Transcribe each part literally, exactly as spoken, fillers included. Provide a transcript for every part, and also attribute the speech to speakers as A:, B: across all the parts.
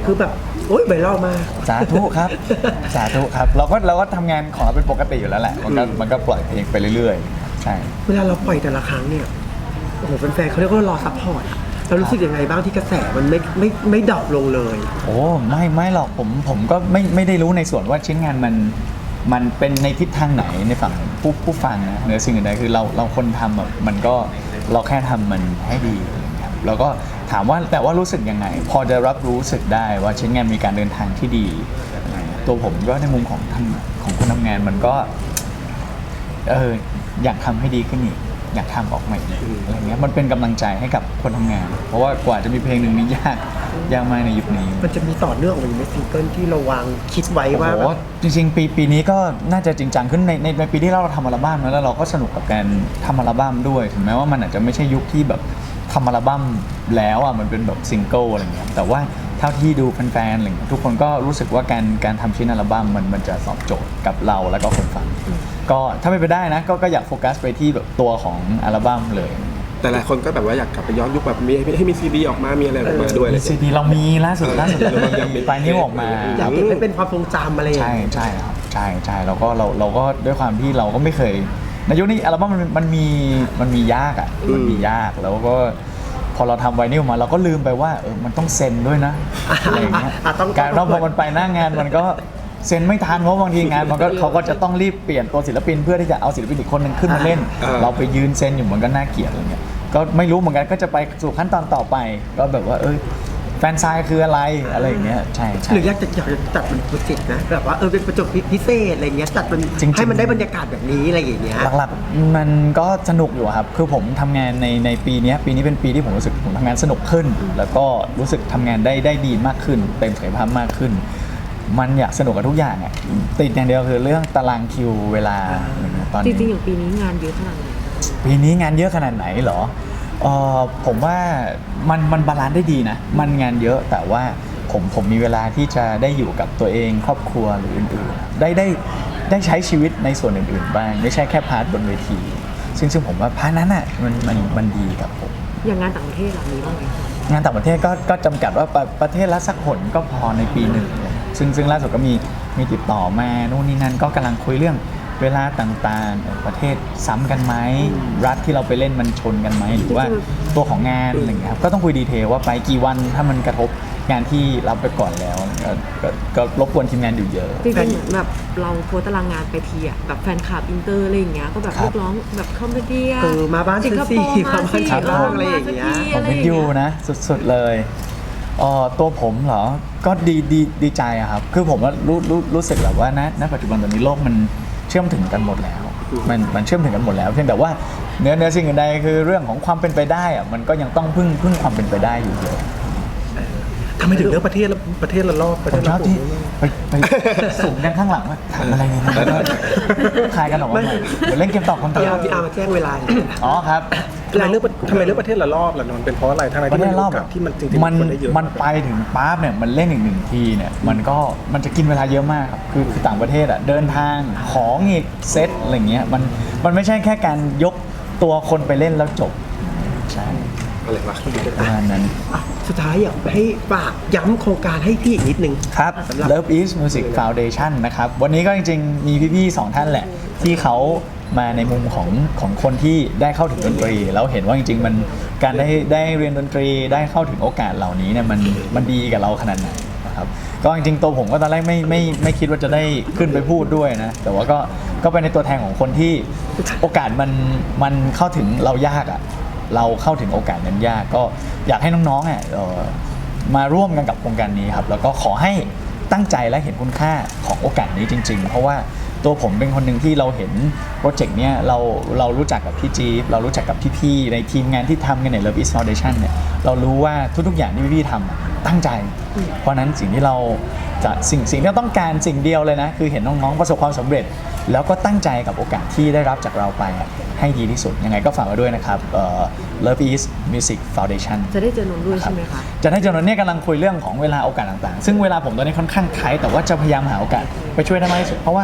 A: คือแบบโอ๊ยไวรัลมาก
B: สาธุครับสาธุครับเราก็เราก็ทำงานของเราเป็นปกติอยู่แล้วแหละมันก็มันก็ปล่อยเพลงไปเรื่อยๆใช่
A: เวลาเราปล่อยแต่ละครั้งเนี่ยโอ้โหแฟนๆเขาเรียกว่ารอซัพพอร์ตเรารู้สึกยังไงบ้างที่กระแสมันไม่ไม่ไม่ดรอปลงเลย
B: โอ้ไม่ไม่หรอกผมผมก็ไม่ไม่ได้รู้ในส่วนว่าชิ้นงานมันมันเป็นในทิศทางไหนในฝั่งผู้ผู้ฟังนะเหนือสิ่งอื่นใดคือเราเราคนทำแบบมันก็เราแค่ทำมันให้ดีครับแล้วก็ถามว่าแต่ว่ารู้สึกยังไงพอจะรับรู้สึกได้ว่าชิ้นงานมีการเดินทางที่ดีตัวผมก็ในมุมของทำของคนทำงานมันก็เอออยากทำให้ดีขึ้นอีกอยากทำออกมาอีกอะไรเงี้ยมันเป็นกำลังใจให้กับคนทำงานเพราะว่ากว่าจะมีเพลงหนึ่งนี้ยากยากมากในยุคนี้
A: มันจะมีต่อเนื่องออกมาในซิงเกิลที่เราวางคิดไว้ว่า
B: โอ้จริงๆปีปีนี้ก็น่าจะจริงจังขึ้นในในในปีที่เราทำอัลบั้มแล้วเราก็สนุกกับการทำอัลบั้มด้วยถึงแม้ว่ามันอาจจะไม่ใช่ยุคที่แบบทำอัลบั้มแล้วอ่ะมันเป็นแบบซิงเกิลอะไรเงี้ยแต่ว่าเท่าที่ดูแฟนๆอะไรเงี้ยทุกคนก็รู้สึกว่าการการทำชิ้นอัลบั้มมันมันจะตอบโจทย์กับเราแล้วก็คนฟังก็ถ้าไม่ไปได้นะก็ก็อยากโฟกัสไปที่แบบตัวของอัลบั้มเลย
C: แต่หลายคนก็แบบว่าอยากกลับไปย้อนยุคแบบมีให้มีซีดีออกมามีอะไรออกมาด้วย
B: มีซีดีเรามีล่าสุดล่าสุดเรามีไฟล์นี้ออกมา
A: อยากเก็บให้เป็นความทรงจำอะไร
B: ใช่ใช่ครับใช่ใช่แล้วก็เราเราก็ด้วยความที่เราก็ไม่เคยในยุคนี้อัลบั้มมันมันมีมันมียากอ่ะมันมียากแล้วก็พอเราทำไวนิลมาเราก็ลืมไปว่าเออมันต้องเซ็นด้วยนะอะไรอย่างเงี้ยการเราพอมันไปหน้างานมันก็เซ็นไม่ทันเพราะบางทีงานมันก็เขาก็จะต้องรีบเปลี่ยนตัวศิลปินเพื่อที่จะเอาศิลปินอีกคนนึงขึ้นมาเล่นเราไปยืนเซ็นอยู่มันก็น่าเกลียดอะไรเงี้ยก็ไม่รู้เหมือนกันก็จะไปสู่ขั้นตอนต่อไปก็แบบว่าเออแฟนซายคืออะไรอะไรอย่างเงี้ยใช่ใช่
A: หรืออยากจะอยากจะจัดเป็นโปรเจกต์นะแบบว่าเออเป็นประจบพิเศษอะไรเงี้ยจัดมันให้มันได้บรรยากาศแบบนี้อะไรอย่างเงี้ย
B: หลักๆมันก็สนุกอยู่ครับคือผมทำงานในในปีนี้ปีนี้เป็นปีที่ผมรู้สึกผมทำงานสนุกขึ้นแล้วก็รู้สึกทำงานได้ได้ดีมากขึ้นเต็มศักยภาพมากขึ้นมันอยากสนุกกับทุกอย่างอ่ะติดอย่างเดียวคือเรื่องตารางคิวเวลา
D: ตอนนี้จริงๆอย่างปีนี้งานเยอะขนาดไหน
B: ปีนี้งานเยอะขนาดไหนเหรอเออผมว่ามันมันบาลานซ์ได้ดีนะมันงานเยอะแต่ว่าผมผมมีเวลาที่จะได้อยู่กับตัวเองครอบครัวหรืออื่นๆได้ได้ได้ใช้ชีวิตในส่วนอื่นๆบ้างไม่ใช่แค่พาร์ทบนเวทีซึ่งซึ่งผมว่าพาร์ทนั้นอ่ะมันมันมันดีกับผม
D: อย่างงานต่างประเทศหลังนี้บ้างไหม
B: งานต่างประเทศก็ก็จำกัดว่าประประเทศละสักหนก็พอในปีหนึ่งซึ่งซึ่งล่าสุดก็มีมีติดต่อมานู่นนี่นั่นก็กำลังคุยเรื่องเวลาต่างๆประเทศซ้ำกันไหมรัฐที่เราไปเล่นมันชนกันไหมหรือว่าตัวของงานอะไรอย่างเงี้ยครับก็ต้องคุยดีเทลว่าไปกี่วันถ้ามันกระทบงานที่รับไปก่อนแล้วก็ก็รบกวนทีมงานอยู่เยอะ
D: จริงๆเหมือนแบบเราโพสตารางงานไปทีอ่ะแบบแฟนคลับอินเตอร์อะไรอย่างเงี้ยก็แบบเรียกร้องแบบคอมเมดี้
A: เออมาบ้านสิงคโปร์มาบ้านฉันบ้างอะไรอย่างเงี้ย
B: ผมเป็นยูนะสุดๆเลยอ๋อตัวผมเหรอก็ดีดีดีใจอะครับคือผมว่ารู้รู้รู้สึกแบบว่าณณปัจจุบันตอนนี้โลกมันเชื่อมถึงกันหมดแล้วมันมันเชื่อมถึงกันหมดแล้วเพียงแต่ว่าเนื้อเนื้อสิ่งอื่นใดคือเรื่องของความเป็นไปได้อะมันก็ยังต้องพึ่งพึ่งความเป็นไปได้อยู่เยอะ
C: ทำไมถึงเลือกประเทศละประเทศละรอบประเทศ
B: ละที่ไปไปสูงด้านข้างหลังว่าทำอะไรเนี่ยคลายกันออกมาหน่อยเดี๋ยวเล่นเกมตอบคำถาม
A: พี่อาร์มาแจ้งเวลา
B: อ๋อครับ
C: ทำไมเลือกทำไมเลือกประเทศละรอบล่ะนนท์เป็นเพราะอะไรทำไมที่มันรอบที่มันจริงๆ
B: มันมันไปถึงปั๊บเนี่ยมันเล่นอีกหนึ่งทีเนี่ยมันก็มันจะกินเวลาเยอะมากครับคือต่างประเทศอ่ะเดินทางของอีกเซตอะไรเงี้ยมันมันไม่ใช่แค่การยกตัวคนไปเล่นแล้วจบใช่
C: อะไรวะ
B: ประมาณนั้น
A: สุดท้ายอยากให้ฝากย้ำโครงการให้พี่อีกนิดนึง
B: ครับ Love is Music Foundation นะครับวันนี้ก็จริงๆมีพี่ๆสองท่านแหละที่เขามาในมุมของของคนที่ได้เข้าถึงดนตรีแล้วเห็นว่าจริงๆมันการได้ได้เรียนดนตรีได้เข้าถึงโอกาสเหล่านี้เนี่ยมันมันดีกับเราขนาดไหนนะครับก็จริงๆตัวผมก็ตอนแรกไม่ไม่ไม่คิดว่าจะได้ขึ้นไปพูดด้วยนะแต่ว่าก็ก็เป็นในตัวแทนของคนที่โอกาสมันมันเข้าถึงเรายากอ่ะเราเข้าถึงโอกาสนั้นยากก็อยากให้น้องๆอ่ะมาร่วมกันกับโครงการนี้ครับแล้วก็ขอให้ตั้งใจและเห็นคุณค่าของโอกาสนี้จริงๆเพราะว่าตัวผมเป็นคนหนึ่งที่เราเห็นโปรเจกต์เนี้ยเราเรารู้จักกับพี่จี๊บเรารู้จักกับพี่ๆในทีมงานที่ทำกันใน Love is Foundation เนี่ยเรารู้ว่าทุกๆอย่างที่พี่ๆทำตั้งใจเพราะนั้นสิ่งที่เราจะสิ่งสิ่งที่เราต้องการสิ่งเดียวเลยนะคือเห็นน้องๆประสบความสำเร็จแล้วก็ตั้งใจกับโอกาสที่ได้รับจากเราไปให้ดีที่สุดยังไงก็ฝากไว้ด้วยนะครับ Love is Music Foundation
D: จะได้เจอนนท์ด้วยใช่ไหมคะ
B: จะได้เจอนนท์เนี่ยกำลังคุยเรื่องของเวลาโอกาสต่างๆซึ่งเวลาผมตอนนี้ค่อนข้างไทยแต่ว่าจะพยายามหาโอกาสไปช่วยได้มากที่สุดเพราะว่า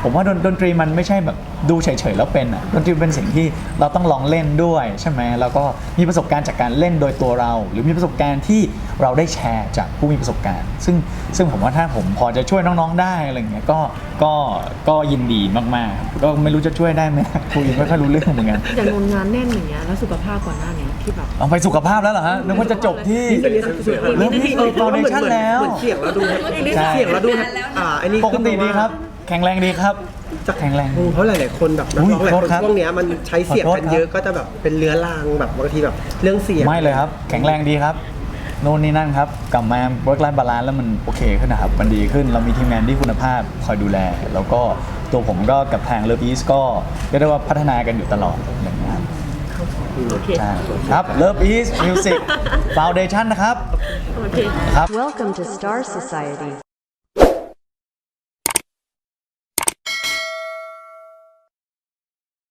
B: ผมว่าดนดนตรีมันไม่ใช่แบบดูเฉยๆแล้วเป็นอ่ะดนตรีเป็นสิ่งที่เราต้องลองเล่นด้วยใช่ไหมแล้วก็มีประสบการณ์จากการเล่นโดยตัวเรา หรือมีประสบการณ์ที่เราได้แชร์จากผู้มีประสบการณ์ ซึ่งซึ่งผมว่าถ้าผมพอจะช่วยน้องๆได้อะไรเงี้ยก็ก็ก็ยินดีมากๆก็ไม่รู้จะช่วยได้ไหมคุยไม่ค่อยรู้เรื่องเหมือนกัน
D: อย่างนนงานแน่นอย่างเงี้ยแล้วสุขภาพก่อนหน้าเนี้ยที่แบบ
B: เอาไปสุขภาพแล้วเหรอฮะนึกว่าจะจบที่
A: นี่เป็นสุด
B: เริ่มที่
A: เออเพราะว่าเหมือน
B: foundation แล้ว
A: เหมือนเสียงเราดู
B: ใช่
A: เสียงเราดูอ่าไอ้นี่
B: ปกติดีครับ แข็งแรงดีครับ
A: จะ
B: แข็งแรง
A: เพราะหลายๆคนแบบนัก
B: อุ๊ย
A: ร้องหลาย
B: โท
A: ค
B: ษ
A: น
B: ครับ
A: ช่วงเนี้ยมันใช้เสียง
B: ขอโทษ
A: กันเยอะก็จะแบบเป็นเรื้อรังแบบบางทีแบบเรื่องเสียง
B: ไม่เลยครับ แข็งแรงดีครับโน่นนี่นั่นครับ กลับมา work life balance แล้วมันโอเคขึ้นนะครับ มันดีขึ้น เรามีทีมงานที่คุณภาพคอยดูแล แล้วก็ตัวผมก็กับทาง Love East ก็เรียกได้ว่าพัฒนากันอยู่ตลอดอย่างนี้ยครับ
D: โอเค
B: ใช่ครับ Love East Music Foundation นะครับ
D: โอเค
B: ครับ
E: Welcome to Star Society.